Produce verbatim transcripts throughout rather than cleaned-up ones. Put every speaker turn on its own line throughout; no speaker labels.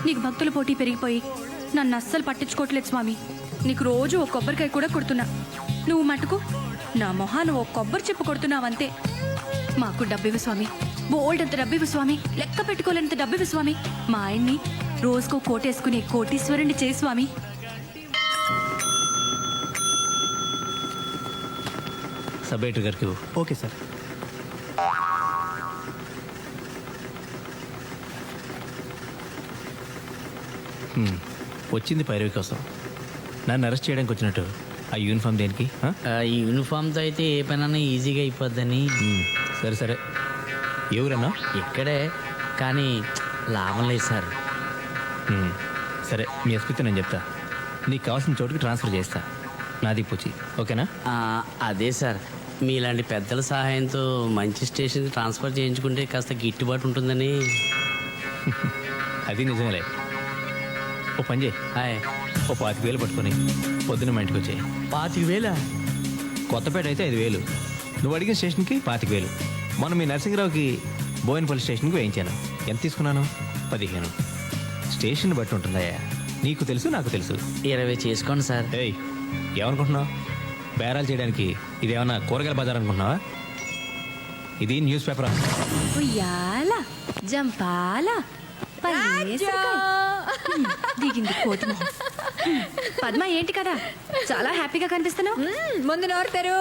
నీకు భక్తుల పోటీ పెరిగిపోయి నన్ను అస్సలు పట్టించుకోవట్లేదు స్వామి. నీకు రోజు ఒక కొబ్బరికాయ కూడా కొడుతున్నా, నువ్వు మటుకు నా మొహాను ఓ కొబ్బరి చెప్పు కొడుతున్నావంతే. మాకు డబ్బివ్వు స్వామి, బోల్డ్ అంత డబ్బివ్వు స్వామి, లెక్క పెట్టుకోలేనంత డబ్బివ్వు స్వామి. మా ఆయన్ని రోజుకో కోటేసుకునే కోటీశ్వరుణ్ణి చేయి స్వామి.
సబ్ ఎడిటర్ గారికి.
Okay sir.
వచ్చింది పైరవి కోసం, నన్ను అరెస్ట్ చేయడానికి వచ్చినట్టు ఆ యూనిఫామ్ దేనికి?
ఈ యూనిఫామ్తో అయితే ఏ పనైనా ఈజీగా అయిపోద్దని.
సరే సరే, ఎవరన్నా?
ఇక్కడే, కానీ లాభం లేదు సార్.
మ్మ్. సరే, మీ ఎస్పీతో నేను చెప్తా, నీకు కావాల్సిన చోటుకి ట్రాన్స్ఫర్ చేస్తా. నాది పూచి, ఓకేనా?
ఆ, అదే సార్, మీలాంటి పెద్దల సహాయంతో మంచి స్టేషన్కి ట్రాన్స్ఫర్ చేయించుకుంటే కాస్త గిట్టుబాటు ఉంటుందని.
అది నిజమేలే. ఓ పని చేయి,
హాయ్.
ఓ పాతిక వేలు పట్టుకొని పొద్దున్న మా ఇంటికి వచ్చాయి.
పాతిక వేలా?
కొత్తపేట అయితే ఐదు వేలు, నువ్వు అడిగిన స్టేషన్కి పాతిక వేలు. మొన్న మీ నరసింహరావుకి బోయినపల్లి స్టేషన్కి వేయించాను. ఎంత తీసుకున్నాను? పదిహేను. స్టేషన్ బట్టి ఉంటుందయ్యా, నీకు తెలుసు నాకు తెలుసు.
ఇరవై చేసుకోండి సార్.
ఏయ్, ఏమనుకుంటున్నావు? బేరాలు చేయడానికి ఇదేమన్నా కూరగాయల బజార్ అనుకుంటున్నావా? ఇది న్యూస్ పేపర్.
ఉయ్యాల జంపాల దిగింది కోతి మొహం. పద్మ, ఏంటి కదా చాలా హ్యాపీగా కనిపిస్తున్నావు?
ముందు నోరుతారు.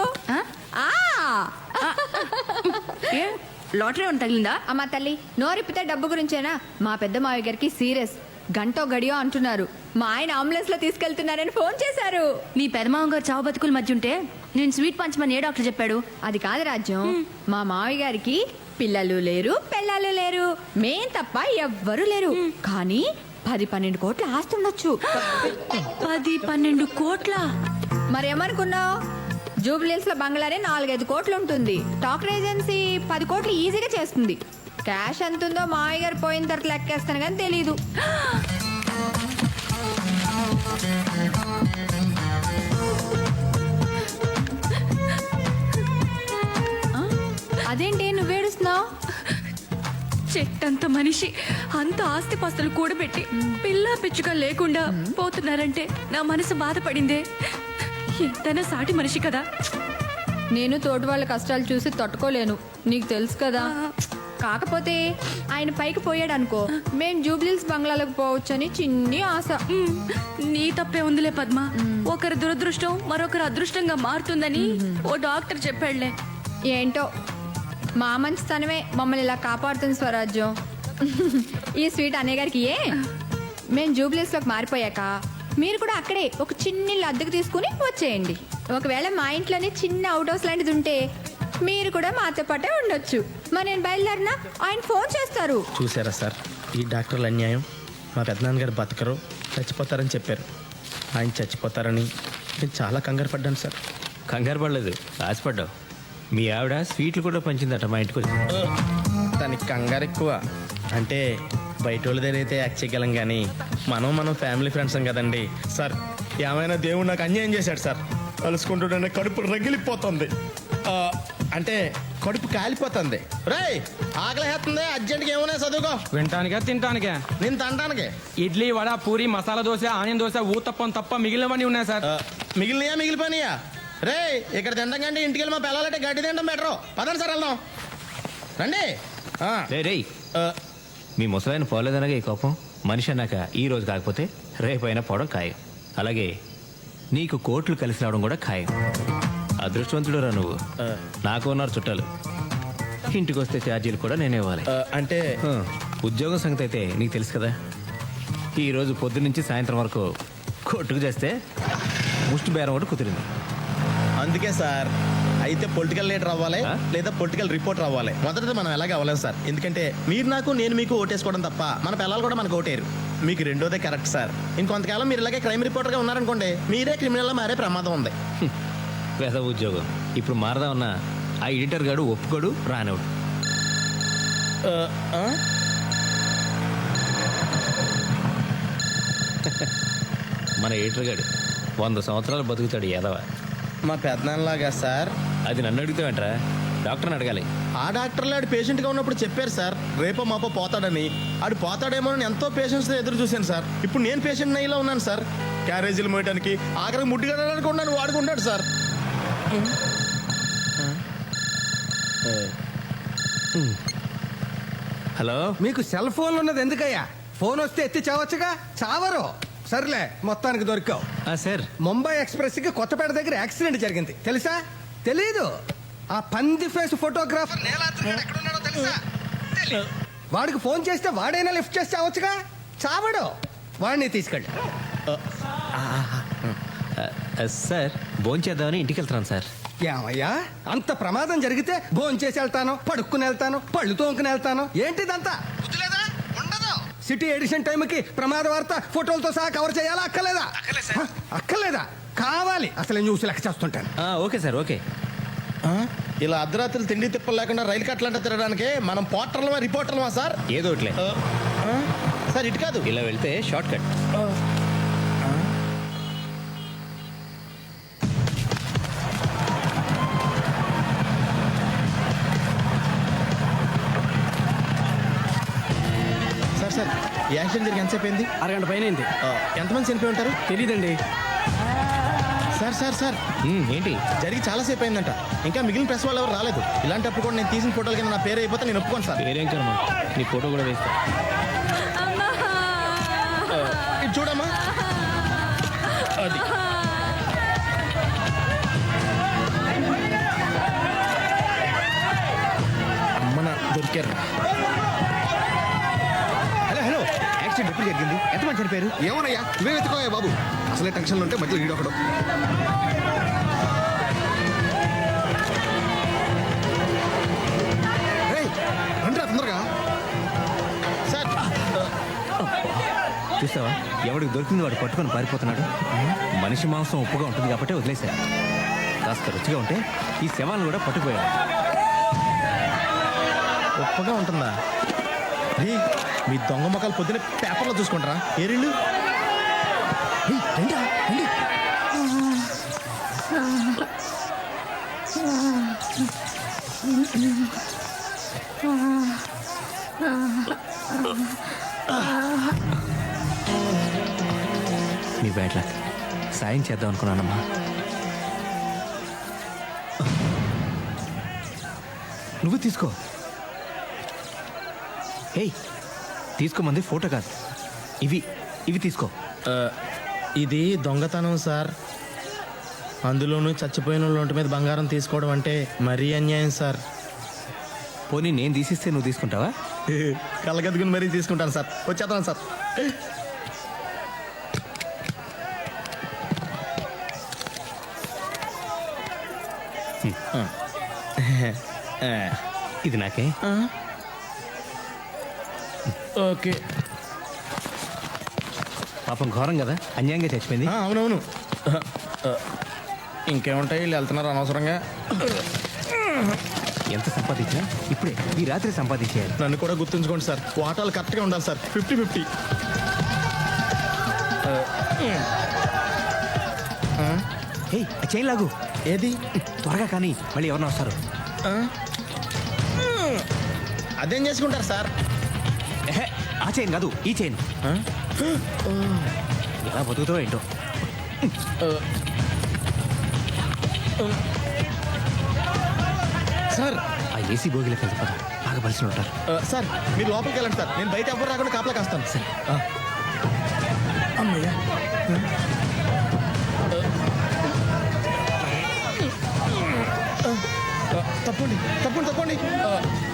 లాటరీ ఉంది తగిలిందా?
అమ్మ తల్లి, నోరిప్పితే డబ్బు గురించేనా? మా పెద్ద మావయ్య గారికి సీరియస్, గంటో గడియో అంటున్నారు. మా ఆయన అంబులెన్స్ లో తీసుకెళ్తున్నారని ఫోన్ చేశారు.
నీ పెదమావం గారు చావు బతుకుల మధ్య ఉంటే నేను స్వీట్ పంచమని ఏ డాక్టర్ చెప్పాడు?
అది కాదు రాజ్యం, మా మావయ్య గారికి పిల్లలు లేరు, పిల్లలు లేరు, మేం తప్ప ఎవ్వరూ లేరు. కానీ పది పన్నెండు కోట్ల ఆస్తి ఉండొచ్చు.
పది పన్నెండు కోట్ల?
మరేమనుకున్నావు? జూబ్లీస్ లో బంగ్లానే నాలుగైదు కోట్లు ఉంటుంది. టాక్టర్ ఏజెన్సీ పది కోట్లు ఈజీగా చేస్తుంది. క్యాష్ ఎంతుందో మావయ్య గారు పోయిన తర్వాత లెక్కేస్తాను కానీ తెలీదు. అదేంటి నువ్వేడుస్తున్నావు?
చెట్టంత మనిషి అంత ఆస్తిపాస్తులు కూడబెట్టి పిల్ల పిచ్చుగా లేకుండా పోతున్నారంటే నా మనసు బాధపడిందే. ఎంతైనా సాటి మనిషి కదా.
నేను తోటి వాళ్ళ కష్టాలు చూసి తట్టుకోలేను, నీకు తెలుసు కదా. కాకపోతే ఆయన పైకి పోయాడు అనుకో, మేం జూబ్లీస్ బంగ్లాలకు పోవచ్చని చిన్ని ఆశ.
నీ తప్పే ఉందిలే పద్మ. ఒకరి దురదృష్టం మరొకరు అదృష్టంగా మారుతుందని ఓ డాక్టర్ చెప్పాడులే.
ఏంటో మా మంచితనమే మమ్మల్ని ఇలా కాపాడుతుంది స్వరాజ్యం. ఈ స్వీట్ అనే గారికి ఏ మేము జూబ్లీస్లోకి మారిపోయాక మీరు కూడా అక్కడే ఒక చిన్న ఇల్లు అద్దెకు తీసుకుని వచ్చేయండి. ఒకవేళ మా ఇంట్లోనే చిన్న అవుట్ హౌస్ లాంటిది ఉంటే మీరు కూడా మాతో పాటే ఉండొచ్చు. మరి నేను బయలుదేరినా ఆయన ఫోన్ చేస్తారు.
చూసారా సార్, ఈ డాక్టర్ల అన్యాయం. మా పెద్దనాన్నగారు బతకరు, చచ్చిపోతారని చెప్పారు. ఆయన చచ్చిపోతారని నేను చాలా కంగారు పడ్డాను సార్.
కంగారు పడలేదు, ఆశపడ్డావు. మీ ఆవిడ స్వీట్లు కూడా పంచిందట మా ఇంటికి వచ్చి.
దానికి కంగారు ఎక్కువ. అంటే బయట వాళ్ళ దగ్గర అయితే యాక్ట్ చేయగలం, కానీ మనం మనం ఫ్యామిలీ ఫ్రెండ్స్ కదండి సార్. ఏమైనా దేవుడు నాకు అన్యాయం చేశాడు సార్. కలుసుకుంటుంటే కడుపు రగిలిపోతుంది. అంటే కడుపు కాలిపోతుంది. రేయ్, ఆకలిస్తుంది, అర్జెంట్గా ఏమైనా చదువుకో.
వింటానికా తింటానికా?
నేను తినడానికి
ఇడ్లీ, వడ, పూరి, మసాలా దోశ, ఆనియన్ దోశ, ఊతప్పం తప్ప మిగిలినవన్నీ ఉన్నాయి సార్.
మిగిలినయా మిగిలిపోయినాయా? రే, ఇక్కడ తినడం కంటే ఇంటికి వెళ్ళి మా పిల్లలంటే గడ్డి తినడం బెటరు. పదండి సార్, వెళ్దాం రండి.
రే రేయ్, మీ ముసలాయన పోలేదనగా ఈ కోపం. మనిషి అన్నాక ఈ రోజు కాకపోతే రేపైనా పోవడం ఖాయం. అలాగే నీకు కోట్లు కలిసి రావడం కూడా ఖాయం. అదృష్టవంతుడు రా నువ్వు. నాకు ఉన్నారు చుట్టాలు, ఇంటికి వస్తే ఛార్జీలు కూడా నేనే ఇవ్వాలి.
అంటే
ఉద్యోగం సంగతి అయితే నీకు తెలుసు కదా. ఈరోజు పొద్దు నుంచి సాయంత్రం వరకు కొట్టుకు చేస్తే ముష్టి బేరం కూడా కుదిరింది.
అందుకే సార్, అయితే పొలిటికల్ లీడర్ అవ్వాలి లేదా పొలిటికల్ రిపోర్టర్ అవ్వాలి. మొదటిది మనం ఎలాగ అవ్వలేము సార్. ఎందుకంటే మీరు నాకు, నేను మీకు ఓటేసుకోవడం తప్ప మన పిల్లలు కూడా మనకు ఓటేరు. మీకు రెండోదే కరెక్ట్ సార్. ఇంకొంతకాలం మీరు ఇలాగే క్రైమ్ రిపోర్టర్గా ఉన్నారనుకోండి, మీరే క్రిమినల్గా మారే ప్రమాదం ఉంది.
పెద్ద ఉద్యోగం ఇప్పుడు మారదామన్నా ఆ ఎడిటర్ గాడు ఒప్పుకోడు, రానివాడు. మన ఎడిటర్ గాడు వంద సంవత్సరాలు బతుకుతాడు ఎదవ.
మా పెద్దనాన్నలాగా సార్.
అది నన్ను అడుగుతావేంట్రా? డాక్టర్ని అడగాలి.
ఆ డాక్టర్లు ఆడు పేషెంట్గా ఉన్నప్పుడు చెప్పారు సార్ రేపో మాపో పోతాడని. ఆడు పోతాడేమో అని ఎంతో పేషెంట్స్తో ఎదురు చూశాను సార్. ఇప్పుడు నేను పేషెంట్ నయ్యిలో ఉన్నాను సార్. క్యారేజీలు మోయడానికి ఆఖరికి ముట్టిగడడానికి ఉన్నాను వాడుకుంటాడు సార్.
హలో.
మీకు సెల్ ఫోన్ ఉన్నది ఎందుకయ్యా? ఫోన్ వస్తే ఎత్తి చావచ్చుగా. చావరు. సర్లే, మొత్తానికి దొరికావు.
ఆ, సార్
ముంబై ఎక్స్ప్రెస్ కి కొత్తపేట దగ్గర యాక్సిడెంట్ జరిగింది, తెలుసా? తెలీదు. ఆ పంది ఫేస్ ఫోటోగ్రాఫర్ నీలాద్రి గాడు ఎక్కడున్నాడో తెలుసా? తెలీదు. వాడికి ఫోన్ చేస్తే వాడైనా లిఫ్ట్ చేసి చావచ్చుగా. చావడు. వాడిని తీసుకెళ్ళి.
ఆ, సార్ భోంచేద్దామని ఇంటికి వెళ్తున్నాను సార్.
ఏమయ్యా, అంత ప్రమాదం జరిగితే భోజనం చేసి వెళ్తాను, పడుక్కుని వెళ్తాను, పళ్ళు తోముకుని వెళ్తాను. ఏంటిదంతా? బుద్ధిలేదా? ఉండదు. సిటీ ఎడిషన్ టైంకి ప్రమాద వార్త ఫోటోలతో సహా కవర్ చేయాలా? అక్కర్లేదా? హ, అక్కర్లేదా? కావాలి. అసలు న్యూస్ లెక్క చేస్తుంటాను.
ఆ, ఓకే సార్, ఓకే.
ఆ? ఇలా అర్ధరాత్రులు తిండి తిప్పలు లేకుండా రైలు కట్టలంట తిరగడానికి మనం పోర్టర్లమా రిపోర్టర్లమా సార్?
ఏదో ఒకట్లే.
ఆ, ఆ? సార్ ఇటు కాదు.
ఇలా వెళ్తే షార్ట్ కట్.
సార్ సార్ ఈ యాక్సిడెంట్ జరిగి ఎంతసేపు అయింది?
అరగంట పైన అయింది.
ఆ, ఎంతమంది చనిపోయి ఉంటారు?
తెలీదండి.
సార్ సార్ సార్
ఉమ్, ఏంటి?
జరిగి చాలాసేపు అయిందంట. ఇంకా మిగిలిన ప్రెస్ వాళ్ళు ఎవరు రాలేదు. ఇలాంటప్పుడు కూడా నేను తీసిన ఫోటోల కింద నా పేరు అయిపోతే నేను ఒప్పుకోను సార్.
పేరేం కర్మ, నీ ఫోటో కూడా వేస్తా.
ఇది చూడమ్మా. అది అమ్మన దొరికారు.
హలో హలో యాక్సిడెంట్ ఎప్పుడు జరిగింది? ఎంతమంది చనిపోయారు? ఏమోనయ్యా, నువ్వే వెతుకోయా బాబు. అసలే టెన్షన్లో ఉంటే మధ్యలో ఈడొకడు. రేయ్, రండిరా తొందరగా.
సార్
చూసావా, ఎవడికి దొరికింది వాడు పట్టుకొని పారిపోతున్నాడు. మనిషి మాంసం ఉప్పుగా ఉంటుంది కాబట్టి వదిలేశారు. కాస్త రుచిగా ఉంటే ఈ శవాలను కూడా పట్టుకుపోయాడు.
గొప్పగా ఉంటుందా? రీ, మీ దొంగ మొక్కలు పొద్దున పేపర్లో చూసుకుంటారా? ఏరిళ్ళు
రండిరా, రండి.
నీ బ్యాడ్ లక్. సాయం చేద్దాం అనుకున్నానమ్మా. నువ్వు తీసుకో. ఏయ్, తీసుకోమంది ఫోటో కాదు, ఇవి ఇవి తీసుకో.
ఇది దొంగతనం సార్. అందులోనూ చచ్చిపోయిన వాళ్ళ ఒంటి మీద బంగారం తీసుకోవడం అంటే మరీ అన్యాయం సార్.
పోనీ నేను తీసిస్తే నువ్వు తీసుకుంటావా?
కళ్ళగద్దుకుని మరీ తీసుకుంటాను సార్. వచ్చేస్తాను సార్.
ఇది నాకే.
ఓకే.
పాపం ఘోరం కదా, అన్యాయంగా చచ్చిపోయింది.
ఆ, అవునవును. ఇంకేముంటాయి, వీళ్ళు వెళ్తున్నారు అనవసరంగా.
ఎంత సంపాదించినా ఇప్పుడే ఈ రాత్రి సంపాదించేయాలి.
నన్ను కూడా గుర్తుంచుకోండి సార్. వాటాలు కరెక్ట్గా ఉండాలి సార్. Fifty fifty.
ఏయ్, ఆ చైన్ లాగు.
ఏది?
త్వరగా కానీ మళ్ళీ ఎవరన్నా వస్తారు.
ఆ? అదేం చేసుకుంటారు సార్?
ఎహె, ఆ చైన్ కాదు, ఈ చైన్.
ఆ?
ఎలా బతుకుతావో ఏంటో.
సార్
ఆ ఏసీ బోగిలోకి వెళ్తే పద, బాగా బలిసిన ఉంటారు.
ఆ, సార్ మీరు లోపలికి వెళ్ళండి సార్. నేను బయట ఎవరు రాకుండా కాపలా కాస్తాను.
సరే.
ఆ. అమ్మయ్యా. ఆ, ఆ, తప్పండి తప్పండి తప్పండి. ఆ.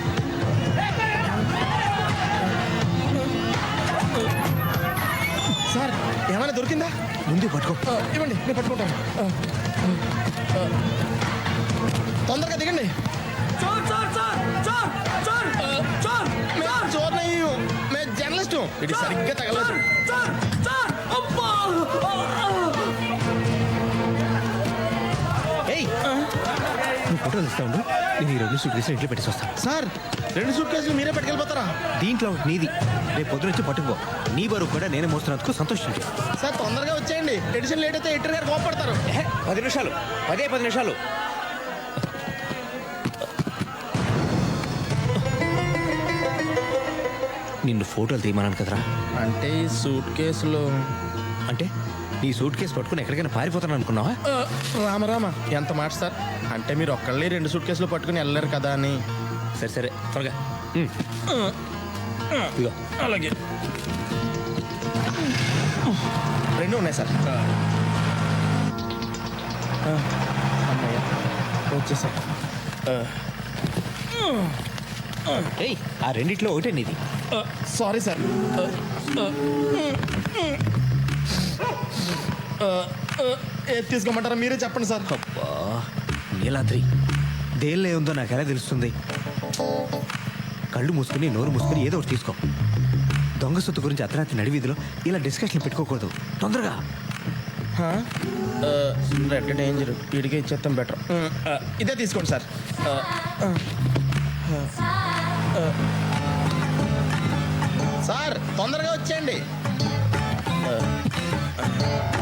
సార్ ఏమైనా దొరికిందా?
ముందు పట్టుకో.
ఆ, ఇవ్వండి, నేను పట్టుకుంటాను. ఆ, ఆ, తొందరగా దిగండి. చోర్ నహీ హూ, మే జర్నలిస్ట్ హూ. ఇది సరిగ్గా తగలదు.
ఏయ్, నువ్వు ఫోటోలు ఇస్తా ఉండు, నేను ఈ రెండు సూట్ కేసులు ఇంట్లో పెట్టేసి వస్తాను.
సార్ రెండు సూట్ కేసులు మీరే పట్టుకెళ్ళిపోతారా?
దీంట్లో ఒకటి నీది, రేపు పొద్దున వచ్చి పట్టుకుపో. నీ బరువు కూడా నేను మోస్తున్నందుకు సంతోషించు.
సార్ తొందరగా వచ్చేయండి. ఎడిషన్ లేట్ అయితే ఎడిటర్ గారు కోపడతారు.
ఎహె, పది నిమిషాలు, పదే పది నిమిషాలు. నిన్ను ఫోటోలు తీయమన్నాను కదరా.
అంటే ఈ సూట్ కేసులో
అంటే నీ సూట్ కేసు పట్టుకుని ఎక్కడికైనా పారిపోతాను అనుకున్నావా?
ఆ, రామరామ ఎంత మాట సార్. అంటే మీరు ఒక్కళ్ళే రెండు సూట్ కేసులు పట్టుకుని వెళ్ళలేరు కదా అని.
సరే సరే త్వరగా. ఉమ్. ఇదిగో.
అలాగే రెండు ఉన్నాయి సార్. ఆ, అమ్మయ్య వచ్చేసా.
ఏయ్, ఆ రెండిట్లో ఒకటే నీది.
Sorry sir. ఏది తీసుకోమంటారా మీరే చెప్పండి సార్.
అబ్బా, నీలాద్రి దేనిలో ఉందో నాకు ఎలా తెలుస్తుంది? కళ్ళు మూసుకుని నోరు మూసుకుని ఏదో ఒకటి తీసుకో. దొంగ సొత్తు గురించి అర్ధరాత్రి నడివీధిలో ఇలా డిస్కషన్ పెట్టుకోకూడదు. తొందరగా.
రెడ్ డేంజర్ వీడికి ఇచ్చేస్తాం బెటర్. ఇదే తీసుకోండి సార్. ఆ, ఆ, ఆ. సార్ తొందరగా వచ్చేయండి. ఆ,